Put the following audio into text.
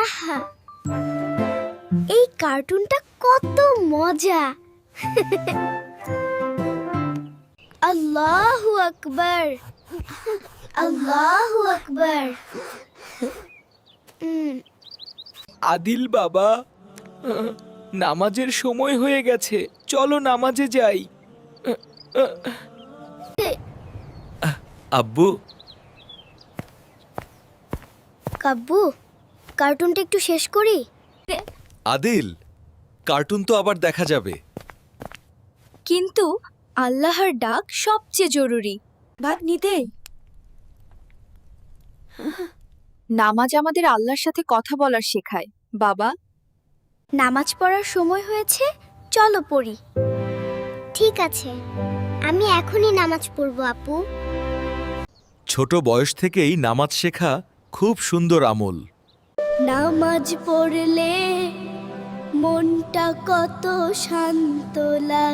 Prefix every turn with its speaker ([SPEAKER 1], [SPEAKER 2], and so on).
[SPEAKER 1] আহা, এই কার্টুনটা কত মজা। আল্লাহু আকবার, আল্লাহু আকবার।
[SPEAKER 2] আদিল বাবা, নামাজের সময় হয়ে গেছে, চলো নামাজে যাই। আব্বু,
[SPEAKER 1] কাব্বু, কার্টুনটা একটু শেষ করি।
[SPEAKER 3] আদিল, কার্টুন তো আবার দেখা যাবে।
[SPEAKER 4] কিন্তু আল্লাহর ডাক সবচেয়ে জরুরি। ভাত নিতে। নামাজ আমাদের আল্লাহর সাথে কথা বলার শেখায়। বাবা,
[SPEAKER 1] নামাজ পড়ার সময় হয়েছে, চলো পড়ি। ঠিক আছে, আমি এখনই নামাজ পড়বো আপু।
[SPEAKER 3] ছোট বয়স থেকেই নামাজ শেখা খুব সুন্দর আমল।
[SPEAKER 1] নামাজ পড়লে মনটা কত শান্ত লাগে।